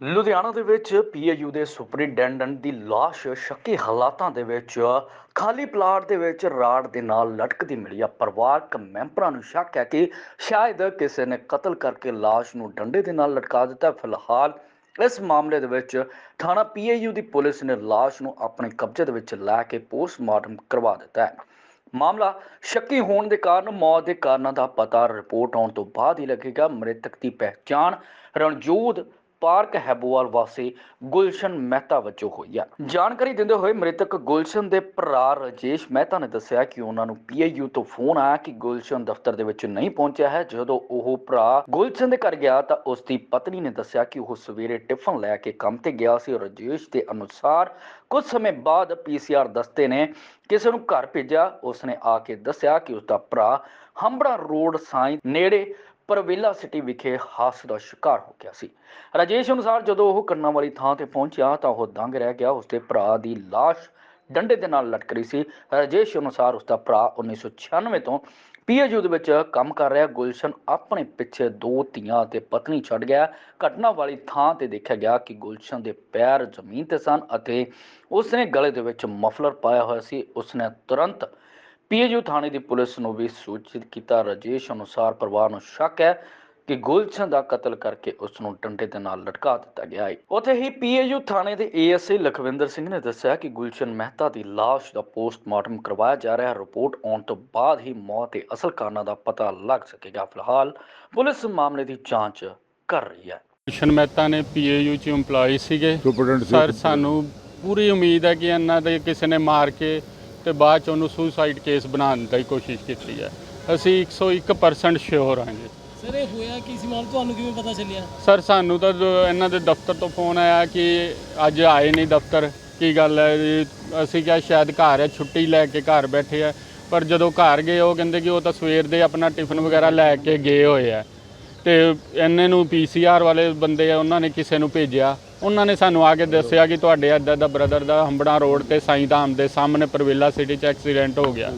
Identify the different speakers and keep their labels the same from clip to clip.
Speaker 1: ਲੁਧਿਆਣਾ ਦੇ ਵਿੱਚ ਪੀਏਯੂ ਦੇ ਸੁਪਰਿੰਟੈਂਡੈਂਟ ਦੀ ਲਾਸ਼ ਸ਼ੱਕੀ ਹਾਲਾਤਾਂ ਦੇ ਵਿੱਚ ਖਾਲੀ ਪਲਾਟ ਦੇ ਵਿੱਚ ਰਾੜ ਦੇ ਨਾਲ ਲਟਕਦੀ ਮਿਲੀ ਆ। ਪਰਿਵਾਰਕ ਮੈਂਬਰਾਂ ਨੂੰ ਸ਼ੱਕ ਹੈ ਕਿ ਸ਼ਾਇਦ ਕਿਸੇ ਨੇ ਕਤਲ ਕਰਕੇ ਲਾਸ਼ ਨੂੰ ਡੰਡੇ ਦੇ ਨਾਲ ਲਟਕਾ ਦਿੱਤਾ। ਫਿਲਹਾਲ ਇਸ ਮਾਮਲੇ ਦੇ ਵਿੱਚ ਥਾਣਾ ਪੀਏਯੂ ਦੀ ਪੁਲਿਸ ਨੇ ਲਾਸ਼ ਨੂੰ ਆਪਣੇ ਕਬਜ਼ੇ ਦੇ ਵਿੱਚ ਲੈ ਕੇ ਪੋਸਟਮਾਰਟਮ ਕਰਵਾ ਦਿੱਤਾ ਹੈ। ਮਾਮਲਾ ਸ਼ੱਕੀ ਹੋਣ ਦੇ ਕਾਰਨ ਮੌਤ ਦੇ ਕਾਰਨਾਂ ਦਾ ਪਤਾ ਰਿਪੋਰਟ ਆਉਣ ਤੋਂ ਬਾਅਦ ਹੀ ਲੱਗੇਗਾ। ਮ੍ਰਿਤਕ ਦੀ ਪਹਿਚਾਣ ਰਣਜੋਧ ਪਾਰਕ ਹੈਬੋਵਾਲ ਵਾਸੀ ਗੁਲਸ਼ਨ ਮਹਿਤਾ ਵਜੋਂ ਹੋਈ ਹੈ। ਜਾਣਕਾਰੀ ਦਿੰਦੇ ਹੋਏ ਮ੍ਰਿਤਕ ਗੁਲਸ਼ਨ ਦੇ ਭਰਾ ਰਾਜੇਸ਼ ਮਹਿਤਾ ਨੇ ਦੱਸਿਆ ਕਿ ਉਹਨਾਂ ਨੂੰ ਪੀਏਯੂ ਤੋਂ ਫੋਨ ਆਇਆ ਕਿ ਗੁਲਸ਼ਨ ਦਫ਼ਤਰ ਦੇ ਵਿੱਚ ਨਹੀਂ ਪਹੁੰਚਿਆ ਹੈ। ਜਦੋਂ ਉਹ ਭਰਾ ਗੁਲਸ਼ਨ ਦੇ ਘਰ ਗਿਆ ਤਾਂ ਉਸ ਦੀ ਪਤਨੀ ਨੇ ਦੱਸਿਆ ਕਿ ਉਹ ਸਵੇਰੇ ਟਿਫਨ ਲੈ ਕੇ ਕੰਮ ਤੇ ਗਿਆ ਸੀ। ਰਾਜੇਸ਼ ਦੇ ਅਨੁਸਾਰ ਕੁਝ ਸਮੇਂ ਬਾਅਦ ਪੀਸੀਆਰ ਦਸਤੇ ਨੇ ਕਿਸੇ ਨੂੰ ਘਰ ਭੇਜਿਆ। ਉਸਨੇ ਆ ਕੇ ਦੱਸਿਆ ਕਿ ਉਸਦਾ ਭਰਾ ਹੰਬੜਾ ਰੋਡ ਸਾਈਂ ਨੇੜੇ ਪਰਵੇਲਾ ਸਿਟੀ ਵਿਖੇ ਹਾਦਸੇ ਦਾ ਸ਼ਿਕਾਰ ਹੋ ਗਿਆ ਸੀ। ਰਾਜੇਸ਼ ਅਨੁਸਾਰ ਜਦੋਂ ਉਹ ਕੰਨਾਂ ਵਾਲੀ ਥਾਂ ਤੇ ਪਹੁੰਚਿਆ ਤਾਂ ਉਹ ਦੰਗ ਰਹਿ ਗਿਆ। ਉਸਦੇ ਭਰਾ ਦੀ ਲਾਸ਼ ਡੰਡੇ ਦੇ ਨਾਲ ਲਟਕ ਰਹੀ ਸੀ। ਰਾਜੇਸ਼ ਅਨੁਸਾਰ ਉਸਦਾ ਭਰਾ 1996 ਤੋਂ ਪੀਏਯੂ ਦੇ ਵਿੱਚ ਕੰਮ ਕਰ ਰਿਹਾ। ਗੁਲਸ਼ਨ ਆਪਣੇ ਪਿੱਛੇ 2 ਧੀਆਂ ਤੇ ਪਤਨੀ ਛੱਡ ਗਿਆ। ਘਟਨਾ ਵਾਲੀ ਥਾਂ ਤੇ ਦੇਖਿਆ ਗਿਆ ਕਿ ਗੁਲਸ਼ਨ ਦੇ ਪੈਰ ਜ਼ਮੀਨ ਤੇ ਸਨ ਅਤੇ ਉਸਨੇ ਗਲੇ ਦੇ ਵਿੱਚ ਮਫਲਰ ਪਾਇਆ ਹੋਇਆ ਸੀ। ਉਸਨੇ ਤੁਰੰਤ ਪੀਏਯੂ ਥਾਣੇ ਦੀ ਪੁਲਿਸ ਨੂੰ ਵੀ ਸੂਚਿਤ ਕੀਤਾ। ਰਾਜੇਸ਼ ਅਨੁਸਾਰ ਪਰਿਵਾਰ ਨੂੰ ਸ਼ੱਕ ਹੈ ਕਿ ਗੁਲਸ਼ਨ ਦਾ ਕਤਲ ਕਰਕੇ ਉਸ ਨੂੰ ਡੰਡੇ ਦੇ ਨਾਲ ਲਟਕਾ ਦਿੱਤਾ ਗਿਆ ਹੈ। ਉੱਥੇ ਹੀ ਪੀਏਯੂ ਥਾਣੇ ਦੇ ਏਐਸਏ ਲਖਵਿੰਦਰ ਸਿੰਘ ਨੇ ਦੱਸਿਆ ਕਿ ਗੁਲਸ਼ਨ ਮਹਿਤਾ ਦੀ ਲਾਸ਼ ਦਾ ਪੋਸਟਮਾਰਟਮ ਕਰਵਾਇਆ ਜਾ ਰਿਹਾ ਹੈ। ਰਿਪੋਰਟ ਆਉਣ ਤੋਂ ਬਾਅਦ ਹੀ ਮੌਤ ਦੇ ਅਸਲ ਕਾਰਨਾਂ ਦਾ ਪਤਾ ਲੱਗ ਸਕੇਗਾ। ਫਿਲਹਾਲ ਪੁਲਿਸ ਮਾਮਲੇ ਦੀ ਜਾਂਚ ਕਰ ਰਹੀ ਹੈ।
Speaker 2: ਗੁਲਸ਼ਨ ਮਹਿਤਾ ਨੇ ਪੀਏਯੂ 'ਚ ਇੰਪਲਾਈ ਸੀਗੇ ਸਰ। ਸਾਨੂੰ ਪੂਰੀ ਉਮੀਦ ਹੈ ਕਿ ਇਹਨਾਂ ਦੇ ਕਿਸੇ ਨੇ ਮਾਰ ਕੇ ਤੇ ਬਾਅਦ 'ਚ ਉਹਨੂੰ ਸੁਸਾਈਡ ਕੇਸ ਬਣਾਉਣ ਦੀ ਕੋਸ਼ਿਸ਼ ਕੀਤੀ ਹੈ। ਅਸੀਂ 101% ਸ਼ੋਰ ਹਾਂ ਜੀ।
Speaker 3: ਸਰ ਇਹ ਹੋਇਆ ਕੀ ਸੀ ਮਾਮਲਾ, ਤੁਹਾਨੂੰ ਕਿਵੇਂ ਪਤਾ ਚੱਲਿਆ?
Speaker 2: ਸਰ ਸਾਨੂੰ ਤਾਂ ਇਹਨਾਂ ਦੇ ਦਫ਼ਤਰ ਤੋਂ ਫੋਨ ਆਇਆ ਕਿ ਅੱਜ ਆਏ ਨਹੀਂ ਦਫ਼ਤਰ, ਕੀ ਗੱਲ ਹੈ ਜੀ। ਅਸੀਂ ਕਿਹਾ ਸ਼ਾਇਦ ਘਰ ਹੈ, ਛੁੱਟੀ ਲੈ ਕੇ ਘਰ ਬੈਠੇ ਆ। ਪਰ ਜਦੋਂ ਘਰ ਗਏ ਉਹ ਕਹਿੰਦੇ ਕਿ ਉਹ ਤਾਂ ਸਵੇਰ ਦੇ ਆਪਣਾ ਟਿਫਨ ਵਗੈਰਾ ਲੈ ਕੇ ਗਏ ਹੋਏ ਆ ਤੇ ਇਹਨਾਂ ਨੂੰ ਪੀਸੀਆਰ ਵਾਲੇ ਬੰਦੇ ਆ ਉਹਨਾਂ ਨੇ ਕਿਸੇ ਨੂੰ ਭੇਜਿਆ। ਉਹਨਾਂ ਨੇ ਸਾਨੂੰ ਆ ਕੇ ਦੱਸਿਆ ਕਿ ਤੁਹਾਡੇ ਇੱਦਾਂ ਦਾ ਬ੍ਰਦਰ ਦਾ ਹੰਬੜਾ ਰੋਡ ਤੇ ਸਾਈਂ ਧਾਮ ਦੇ ਸਾਹਮਣੇ ਪਰਵੇਲਾ ਸਿਟੀ 'ਚ ਐਕਸੀਡੈਂਟ ਹੋ ਗਿਆ।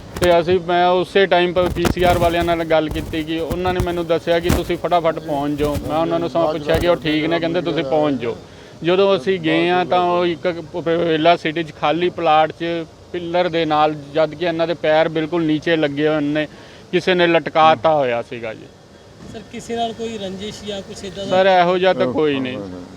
Speaker 2: ਤੇ ਮੈਂ ਉਸੇ ਟਾਈਮ ਪਰ ਪੀਸੀਆਰ ਵਾਲਿਆਂ ਨਾਲ ਗੱਲ ਕੀਤੀ ਕਿ ਉਹਨਾਂ ਨੇ ਮੈਨੂੰ ਦੱਸਿਆ ਕਿ ਤੁਸੀਂ ਫਟਾਫਟ ਪਹੁੰਚ ਜਾਓ। ਮੈਂ ਉਹਨਾਂ ਨੂੰ ਸਮਾਂ ਪੁੱਛਿਆ ਕਿ ਉਹ ਠੀਕ ਨੇ, ਕਹਿੰਦੇ ਤੁਸੀਂ ਪਹੁੰਚ ਜਾਓ। ਜਦੋਂ ਅਸੀਂ ਗਏ ਹਾਂ ਤਾਂ ਉਹ ਇੱਕ ਪਰਵੇਲਾ ਸਿਟੀ 'ਚ ਖਾਲੀ ਪਲਾਟ 'ਚ ਪਿੱਲਰ ਦੇ ਨਾਲ, ਜਦ ਕਿ ਇਹਨਾਂ ਦੇ ਪੈਰ ਬਿਲਕੁਲ ਨੀਚੇ ਲੱਗੇ ਹੋਏ ਨੇ, ਕਿਸੇ ਨੇ ਲਟਕਾਤਾ ਹੋਇਆ ਸੀਗਾ ਜੀ।
Speaker 3: ਸਰ ਕਿਸੇ ਨਾਲ ਕੋਈ ਰੰਜਿਸ਼ ਜਾਂ ਕੁਛ ਇਦਾਂ ਦਾ?
Speaker 2: ਸਰ ਇਹੋ ਜਿਹਾ ਤਾਂ ਕੋਈ ਨਹੀਂ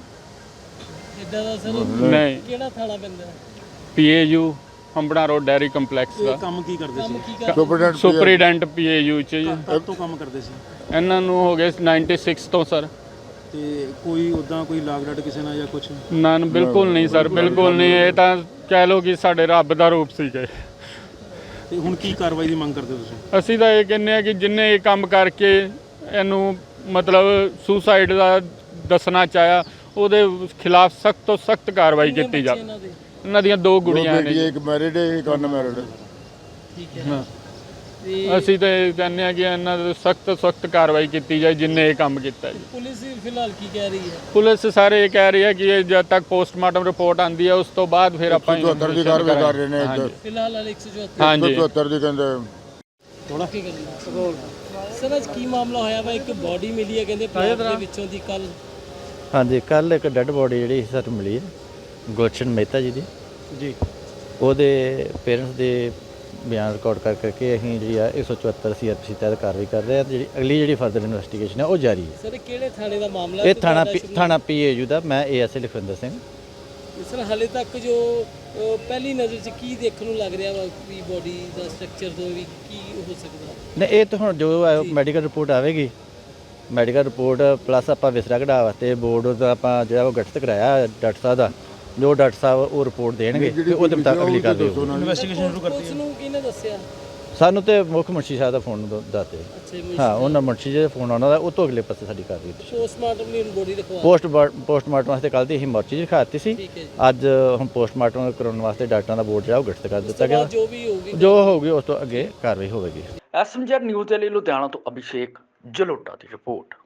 Speaker 3: ਇਦਾਂ ਦਾ ਸਰ।
Speaker 2: ਨਹੀਂ।
Speaker 3: ਕਿਹੜਾ ਥਾਣਾ ਪੈਂਦਾ?
Speaker 2: PAU Hambran road dairy complex ਦਾ।
Speaker 4: ਕੰਮ ਕੀ ਕਰਦੇ
Speaker 3: ਕੰਮ
Speaker 4: ਸੀ?
Speaker 3: ਕੀ ਕਰਦੇ?
Speaker 2: ਸੁਪਰੀਡੈਂਟ ਪੀਏਯੂ 'ਚ ਜੀ।
Speaker 4: ਕਦ ਤੋਂ ਕੰਮ ਕਰਦੇ ਸੀ?
Speaker 2: ਇਹਨਾਂ ਨੂੰ ਹੋ ਗਏ 96 ਤੋਂ ਸਰ।
Speaker 4: ਤੇ ਕੋਈ ਉਦਾਂ ਕੋਈ ਲਾਗ ਡਾਟ ਕਿਸੇ ਨਾਲ ਜਾਂ ਕੁਛ?
Speaker 2: ਨਾ ਬਿਲਕੁਲ ਨਹੀਂ ਸਰ, ਬਿਲਕੁਲ ਨਹੀਂ। ਇਹ ਤਾਂ ਕਹਿ ਲਓ ਕਿ ਸਾਡੇ ਰੱਬ ਦਾ ਰੂਪ ਸੀਗੇ।
Speaker 4: ਤੇ ਹੁਣ ਕੀ ਕਾਰਵਾਈ ਦੀ ਮੰਗ ਕਰਦੇ ਹੋ ਤੁਸੀਂ?
Speaker 2: ਅਸੀਂ ਤਾਂ ਇਹ ਕਹਿੰਦੇ ਆ ਕਿ ਜਿੰਨੇ ਇਹ ਕੰਮ ਕਰਕੇ ਇਹਨੂੰ ਮਤਲਬ ਸੁਸਾਈਡ ਦਾ ਦੱਸਣਾ ਚਾਹਿਆ ਉਹਦੇ ਖਿਲਾਫ ਸਖਤ ਤੋਂ ਸਖਤ ਕਾਰਵਾਈ ਕੀਤੀ ਜਾਵੇ। ਇਹਨਾਂ ਦੀਆਂ 2 ਗੁੜੀਆਂ ਨੇ,
Speaker 5: ਇੱਕ ਮੈਰਿਡ ਹੈ, ਇੱਕ ਅਨਮੈਰਿਡ।
Speaker 3: ਠੀਕ ਹੈ।
Speaker 2: ਅਸੀਂ ਤਾਂ ਇਹ ਕਹਿੰਦੇ ਆ ਕਿ ਇਹਨਾਂ ਦੇ ਸਖਤ ਕਾਰਵਾਈ ਕੀਤੀ ਜਾਏ ਜਿੰਨੇ ਇਹ ਕੰਮ ਕੀਤਾ ਜੀ।
Speaker 3: ਪੁਲਿਸ ਫਿਲਹਾਲ ਕੀ ਕਹਿ ਰਹੀ ਹੈ?
Speaker 2: ਪੁਲਿਸ ਸਾਰੇ ਇਹ ਕਹਿ ਰਹੀ ਹੈ ਕਿ ਜਦ ਤੱਕ ਪੋਸਟਮਾਰਟਮ ਰਿਪੋਰਟ ਆਉਂਦੀ ਹੈ ਉਸ ਤੋਂ ਬਾਅਦ ਫਿਰ ਆਪਾਂ
Speaker 5: 174 ਦੀ ਕਾਰਵਾਈ ਕਰ ਰਹੇ ਨੇ।
Speaker 3: ਫਿਲਹਾਲ 174।
Speaker 2: ਹਾਂਜੀ
Speaker 5: 174 ਦੀ ਕਹਿੰਦੇ
Speaker 3: ਥੋੜਾ ਕੀ ਕਰਨਾ ਸਰ? ਅੱਜ ਕੀ ਮਾਮਲਾ ਹੋਇਆ ਵਾ? ਇੱਕ ਬੋਡੀ ਮਿਲੀ ਹੈ ਕਹਿੰਦੇ ਪਲਾਟ ਦੇ ਵਿੱਚੋਂ ਦੀ ਕੱਲ।
Speaker 6: ਹਾਂਜੀ, ਕੱਲ ਇੱਕ ਡੈੱਡ ਬੋਡੀ ਜਿਹੜੀ ਸਾਨੂੰ ਮਿਲੀ ਹੈ ਗੁਲਸ਼ਨ ਮਹਿਤਾ ਜੀ ਦੀ।
Speaker 4: ਜੀ।
Speaker 6: ਉਹਦੇ ਪੇਰੈਂਟਸ ਦੇ ਬਿਆਨ ਰਿਕਾਰਡ ਕਰਕੇ ਅਸੀਂ ਜਿਹੜੀ ਆ 174 ਸੀਆਰਪੀਸੀ ਤਹਿਤ ਕਾਰਵਾਈ ਕਰ ਰਹੇ ਹਾਂ। ਜਿਹੜੀ ਅਗਲੀ ਜਿਹੜੀ ਫਰਦਰ ਇਨਵੈਸਟੀਗੇਸ਼ਨ ਹੈ ਉਹ ਜਾਰੀ ਹੈ।
Speaker 3: ਸਰ ਕਿਹੜੇ ਥਾਣੇ ਦਾ ਮਾਮਲਾ?
Speaker 6: ਇਹ ਥਾਣਾ ਪੀਏਯੂ ਦਾ। ਮੈਂ ਏਐਸਏ ਲਖਵਿੰਦਰ ਸਿੰਘ।
Speaker 3: ਸਰ ਹਾਲੇ ਤੱਕ ਜੋ ਪਹਿਲੀ ਨਜ਼ਰ 'ਚ ਕੀ ਦੇਖਣ ਨੂੰ ਲੱਗ ਰਿਹਾ ਵਾ ਵੀ ਬੋਡੀ ਦਾ ਸਟਰਕਚਰ ਤੋਂ ਵੀ ਕੀ ਹੋ ਸਕਦਾ?
Speaker 6: ਨਹੀਂ, ਇਹ ਤਾਂ ਹੁਣ ਜੋ ਮੈਡੀਕਲ ਰਿਪੋਰਟ ਆਵੇਗੀ, ਮੈਡੀਕਲ ਰਿਪੋਰਟ ਪਲੱਸ ਆਪਾਂ ਵਿਸਰਾ ਕਢਾ ਵਾਸਤੇ ਬੋਰਡ ਦਾ ਆਪਾਂ ਜਿਹੜਾ ਉਹ ਗਠਿਤ ਕਰਾਇਆ ਡਾਕਟਰ ਸਾਹਿਬ ਦਾ, ਜੋ ਡਾਕਟਰ ਸਾਹਿਬ ਉਹ ਰਿਪੋਰਟ ਦੇਣਗੇ ਤੇ ਉਹਦੇ ਮੁਤਾਬਕ ਅਗਲੀ ਕਾਰਵਾਈ ਹੋਊਗੀ।
Speaker 4: ਇਨਵੈਸਟੀਗੇਸ਼ਨ ਸ਼ੁਰੂ ਕਰਤੀ
Speaker 3: ਉਸ
Speaker 4: ਹੈ।
Speaker 3: ਨੂੰ ਕਿਹਨੇ ਦੱਸਿਆ?
Speaker 6: ਸਾਨੂੰ ਤੇ ਮੁੱਖ ਮੁਨਸ਼ੀ ਸਾਹਿਬ ਦਾ ਫੋਨ ਦੱਸਦੇ।
Speaker 3: ਅੱਛਾ,
Speaker 6: ਹਾਂ, ਉਹਨਾਂ ਮੁਨਸ਼ੀ ਜੀ ਦਾ ਫੋਨ ਆਉਣਾ ਦਾ, ਉਹ ਤੋਂ ਅਗਲੇ ਪਾਸੇ ਸਾਡੀ ਕਾਰਵਾਈ ਹੋਈ।
Speaker 3: ਪੋਸਟਮਾਰਟਮ ਲਈ ਬੋਡੀ ਰਖਵਾ
Speaker 6: ਪੋਸਟਮਾਰਟਮ ਵਾਸਤੇ ਕੱਲ੍ਹ ਦੀ ਅਸੀਂ ਮੋਰਚੀ 'ਚ ਦਿਖਾਤੀ ਸੀ।
Speaker 3: ਠੀਕ ਹੈ ਜੀ।
Speaker 6: ਅੱਜ ਹੁਣ ਪੋਸਟਮਾਰਟਮ ਕਰਾਉਣ ਵਾਸਤੇ ਡਾਕਟਰਾਂ ਦਾ ਬੋਰਡ ਜਿਹੜਾ ਉਹ ਗਠਿਤ ਕਰ ਦਿੱਤਾ ਗਿਆ।
Speaker 3: ਜੋ ਵੀ ਹੋਊਗੀ
Speaker 6: ਜੋ ਹੋਊਗੀ ਉਸ ਤੋਂ ਅੱਗੇ ਕਾਰਵਾਈ ਹੋਵੇਗੀ।
Speaker 1: ਐਸਐਮਜੈਡ ਨਿਊਜ਼ ਦੇ ਲਈ ਲੁਧਿਆਣਾ ਤੋਂ ਅਭਿਸ਼ੇਕ ਜਲੋਟਾ ਦੀ ਰਿਪੋਰਟ।